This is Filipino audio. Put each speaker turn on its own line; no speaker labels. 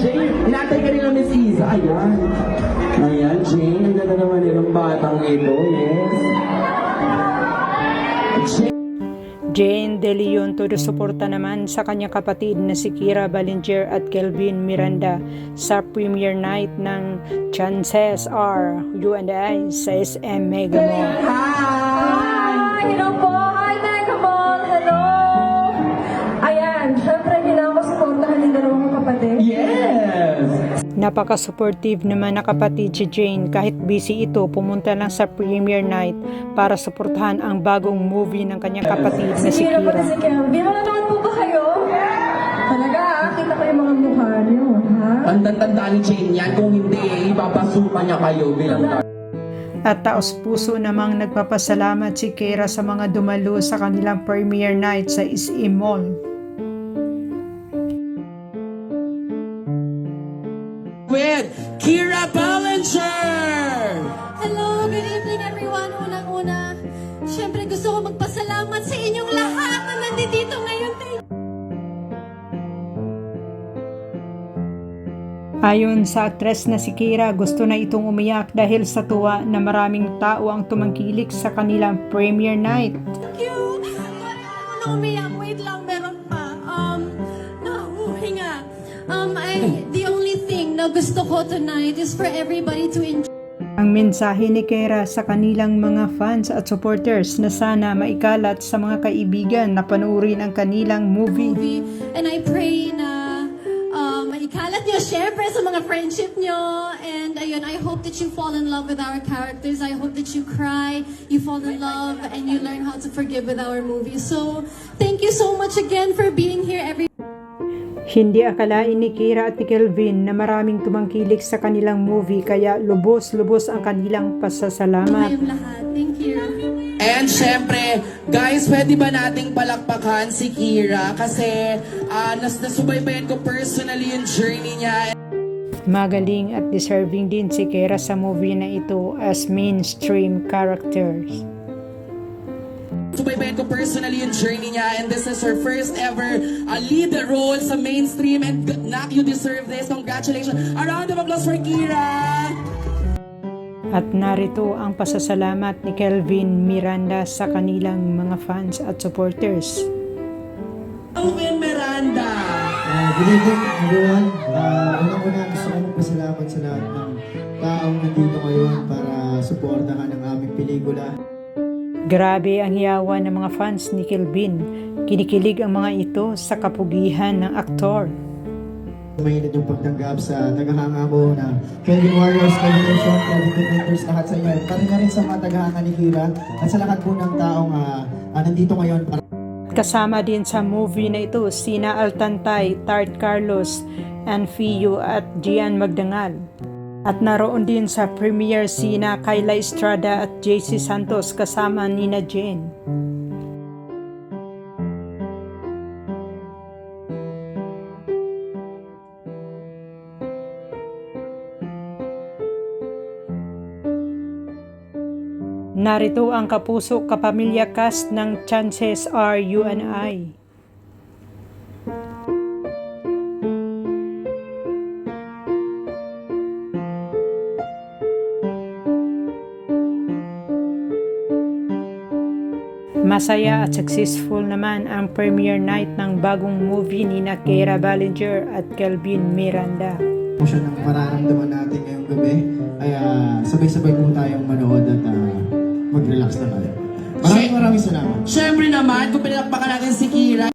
Jane. Inatay ka nila Miss Isa. Ayan. Ayan, Jane. Ang ganda naman yung batang ito. Yes.
Jane De Leon todo suporta naman sa kanyang kapatid na si Kyra Ballinger at Kelvin Miranda sa premiere night ng Chances Are You and I sa SM Mega Mall.
Hi! Hello po! Hi, Mega Mall! Hello! Ayan, syempre kailangan ko supportahan yung dalawang kapatid.
Yes!
Napaka-supportive naman na kapatid si Jane kahit busy ito, pumunta lang sa premiere night para suportahan ang bagong movie ng kanyang kapatid na si
Sige na pala
Kyra.
si Kelvin. Nanonood po ba kayo? Talaga, kita ko yung mga mukha niyo, ha?
Tandang-tanda ni Jane yan. Kung hindi, ipapasukan niya kayo bilang
At taos puso namang nagpapasalamat si Kyra sa mga dumalo sa kanilang premiere night sa SM Mall.
with Kyra Ballinger!
Hello, good evening everyone. Unang-una, syempre gusto ko magpasalamat sa inyong lahat na nandito ngayon.
Ayon sa aktres na si Kyra, gusto na itong umiyak dahil sa tuwa na maraming tao ang tumangkilik sa kanilang premiere night.
Thank you. Ano umiyak? Wait lang, meron pa. Nahuhinga. The only thing na gusto ko tonight is for everybody to enjoy.
Ang mensahe ni Kyra sa kanilang mga fans at supporters na sana maikalat sa mga kaibigan na panoorin ang kanilang movie.
And I pray na maikalat nyo, syempre, sa mga friendship nyo. And ayun, I hope that you fall in love with our characters. I hope that you cry, you fall in love, and you learn how to forgive with our movie. So, thank you so much again for being here, everyone.
Hindi akalain ni Kyra at ni Kelvin na maraming tumangkilik sa kanilang movie kaya lubos-lubos ang kanilang pasasalamat.
Kayong lahat. Thank you.
And syempre, guys, pwede ba nating palakpakan si Kyra? Kasi nasubaybayan ko personally yung journey niya.
Magaling at deserving din si Kyra sa movie na ito as mainstream characters.
Subaybayan ko personally yung journey niya, and this is her first ever lead role sa mainstream, and Nak, you deserve this. Congratulations. A round of applause for Kyra!
At narito ang pasasalamat ni Kelvin Miranda sa kanilang mga fans at supporters.
Kelvin Miranda!
Good evening everyone. Unang-una gusto ko magpasalamat sa lahat ng taong nandito ngayon para suportahan ang aming pelikula.
Grabe ang hiyawan ng mga fans ni Kelvin. Kinikilig ang mga ito sa kapugihan ng aktor.
Mainit yung pagtanggap sa tagahanga ko na Kelvin Warriors, Kelvin Nation, Kelvin Defenders, lahat sa inyo. Pati na rin sa mga tagahanga ni Kyra at sa lahat po ng taong nandito ngayon para
Kasama din sa movie na ito sina Altantay, Tart Carlos, Anfio at Gian Magdangal. At naroon din sa premiere sina Kyla Estrada at JC Santos kasama nina Jane. Narito ang kapuso kapamilya cast ng Chances Are You and I. Masaya at successful naman ang premiere night ng bagong movie ni Kyra Ballinger at Kelvin Miranda.
siya ng mararamdaman natin ngayong gabi. Kaya sabay-sabay po tayong manood at mag-relax na tayo. Maraming salamat.
Siyempre naman, kung pinalakpakan natin si Kyra,